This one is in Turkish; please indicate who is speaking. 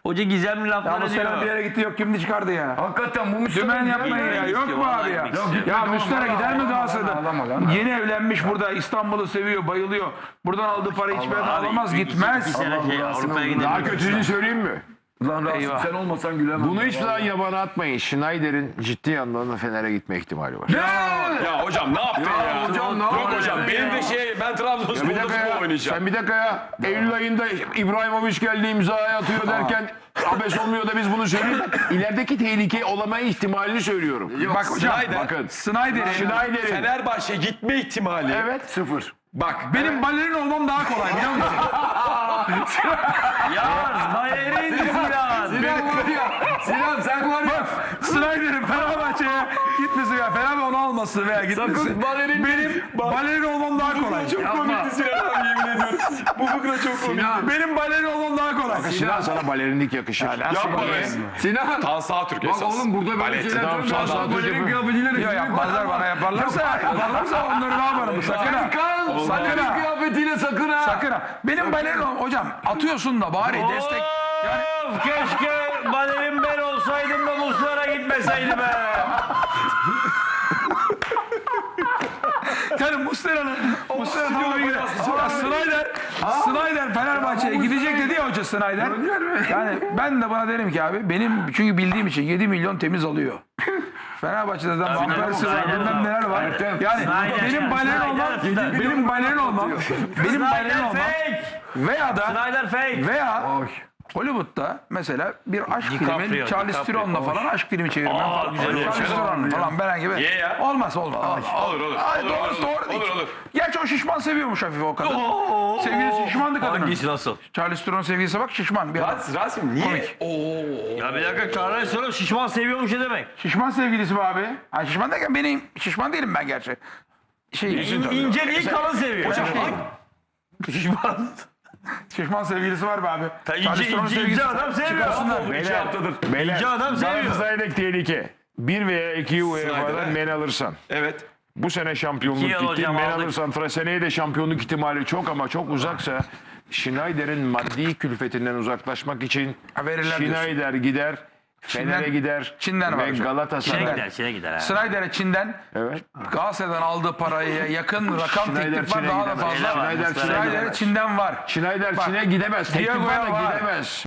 Speaker 1: Hoca gizemli
Speaker 2: Ya
Speaker 1: laflar
Speaker 2: Muslera bir
Speaker 1: ediyor.
Speaker 2: yere gitti yok kimdi çıkardı ya.
Speaker 3: Hakikaten bu
Speaker 2: Dümen yapmayın ya. Yok mu abi ya? Ya Muslera gider mi Galatasaray'dan? Yeni evlenmiş burada İstanbul'u seviyor, bayılıyor. Buradan aldığı parayı hiçbir yerden alamaz, gitmez.
Speaker 1: İki sene şey Avrupa'ya gidelim.
Speaker 4: Daha kötüsünü söyleyeyim mi?
Speaker 3: Lan Rasim
Speaker 2: Eyvah.
Speaker 3: sen olmasan gülemem.
Speaker 4: Bunu hiç daha yabana atmayın. Schneider'in ciddi anlamda Fener'e gitme ihtimali var.
Speaker 5: Ya hocam ne yaptın ya?
Speaker 3: hocam, ne
Speaker 5: Yok
Speaker 3: yaptın
Speaker 5: hocam
Speaker 3: ya?
Speaker 5: benim de ben
Speaker 4: Bir
Speaker 5: Trabzonspor'da
Speaker 4: dakika
Speaker 5: futbol
Speaker 4: ya.
Speaker 5: oynayacağım.
Speaker 4: Sen bir dakika ya. Eylül ayında İbrahimovic geldi imzaya atıyor derken abes olmuyor da biz bunu söylüyoruz. İlerideki tehlike olama ihtimalini söylüyorum.
Speaker 2: Bbak hocam,
Speaker 4: Bakın.
Speaker 2: Snyder'in
Speaker 5: Fenerbahçe gitme ihtimali.
Speaker 4: Evet.
Speaker 3: Sıfır.
Speaker 5: Bak
Speaker 2: benim balerin olmam daha kolay biliyor musun?
Speaker 1: Yaz, Bayer'in Sinan.
Speaker 3: Sinan var ya. Sinan sen var ya.
Speaker 2: Snyder'in Fenerbahçe'ye gitmesi veya Fenerbahçe onu alması veya gitmesi.
Speaker 3: Sakın balerin
Speaker 2: Benim balerin olmam daha kolay.
Speaker 5: çok komikti Sinan abi yemin ediyorum. Bu fıkra çok komik.
Speaker 2: Benim balerin olmam daha kolay.
Speaker 4: Sinan sana balerinlik yakışır.
Speaker 5: Yapma be.
Speaker 3: Sinan.
Speaker 5: Tan Sağtürk
Speaker 3: Bak
Speaker 5: esas.
Speaker 3: oğlum burada böyle
Speaker 5: Balet.
Speaker 3: şeyler
Speaker 4: Tamam,
Speaker 3: söylüyor.
Speaker 4: sağ ol,
Speaker 3: Balerin
Speaker 4: sağ ol.
Speaker 3: kıyafetiyle
Speaker 2: Yok yapmazlar bana yaparlarsa onları ne yaparım sakın ha.
Speaker 3: Kan.
Speaker 2: Sakın
Speaker 3: Balerin
Speaker 2: ha.
Speaker 3: kıyafetiyle sakın ha.
Speaker 2: Sakın ha. Benim balerin olmam. Hocam atıyorsun da bari destek. Yani
Speaker 1: Of, keşke Bayer'in ben olsaydım da Muslera gitmeseydi be.
Speaker 2: yani Muslera'nın tamam bir Snyder Fenerbahçe'ye gidecek dedi ya hoca Snyder. Yani ben de bana derim ki abi benim çünkü bildiğim için 7 milyon temiz alıyor. Fenerbahçe'de de Van Persie var, bilmem neler var. Yani
Speaker 1: Snyder,
Speaker 2: benim balerin olmam,
Speaker 1: Snyder.
Speaker 2: benim balerin olmam, benim balerin
Speaker 1: Snyder
Speaker 2: olmam
Speaker 1: fake.
Speaker 2: veya da
Speaker 1: Snyder fake.
Speaker 2: veya Hollywood'da mesela bir aşk
Speaker 1: DiCaprio,
Speaker 2: filmi Charlize
Speaker 1: DiCaprio.
Speaker 2: Theron'la falan aşk filmi çevirmem falan.
Speaker 1: güzel olur.
Speaker 2: Charlize Theron'la falan ben gibi.
Speaker 5: Ye ya.
Speaker 2: Olmaz.
Speaker 5: Olur olur.
Speaker 2: Ay,
Speaker 5: Olur,
Speaker 2: doğrusu
Speaker 5: olur,
Speaker 2: doğru değil.
Speaker 5: olur, olur.
Speaker 2: Gerçi o şişman seviyormuş hafif o kadın. Sevgilisi şişmandı kadının.
Speaker 1: Hangisi nasıl?
Speaker 2: Charlize Theron sevgilisi bak şişman bir adam.
Speaker 5: Rasim niye?
Speaker 2: Komik.
Speaker 1: Ya bir dakika Charles Theron şişman seviyormuş ne demek?
Speaker 2: Şişman sevgilisi mi abi? Ha, şişman derken benim şişman değilim ben gerçi.
Speaker 1: İnce değil kalın seviyor.
Speaker 2: Hocam,
Speaker 1: şişman.
Speaker 2: şişman sevgilisi var be abi.
Speaker 1: İnce adam seviyor.
Speaker 5: İki haftadır.
Speaker 4: Beyler,
Speaker 1: İnce adam seviyor.
Speaker 4: Galatasaray'daki tehlike. 1 veya 2 UEFA'dan men alırsan.
Speaker 5: Evet.
Speaker 4: Bu sene şampiyonluk
Speaker 1: İki yıl
Speaker 4: gitti.
Speaker 1: hocam
Speaker 4: Men
Speaker 1: aldık.
Speaker 4: alırsan seneye de şampiyonluk ihtimali çok ama çok uzaksa Schneider'in maddi külfetinden uzaklaşmak için
Speaker 2: Ha, verirler
Speaker 4: Schneider gider, Fener'e gider
Speaker 2: Çin'den var
Speaker 4: ve
Speaker 2: hocam.
Speaker 1: Çin'e
Speaker 4: Galatasaray.
Speaker 1: gider, Çin'e gider. Ha.
Speaker 2: Snyder'e Çin'den
Speaker 4: Evet.
Speaker 2: Galatasaray'dan aldığı paraya yakın rakam
Speaker 4: Schneider
Speaker 2: teklif var
Speaker 4: Çin'e
Speaker 2: daha da
Speaker 4: gidemez.
Speaker 2: fazla.
Speaker 1: Schneider
Speaker 4: Çin'e
Speaker 2: Snyder'e
Speaker 4: gidemez.
Speaker 2: Çin'den var.
Speaker 4: Schneider
Speaker 2: Bak,
Speaker 4: Çin'e gidemez. Teklif
Speaker 2: Diego'ya
Speaker 4: var da
Speaker 2: var.
Speaker 4: gidemez.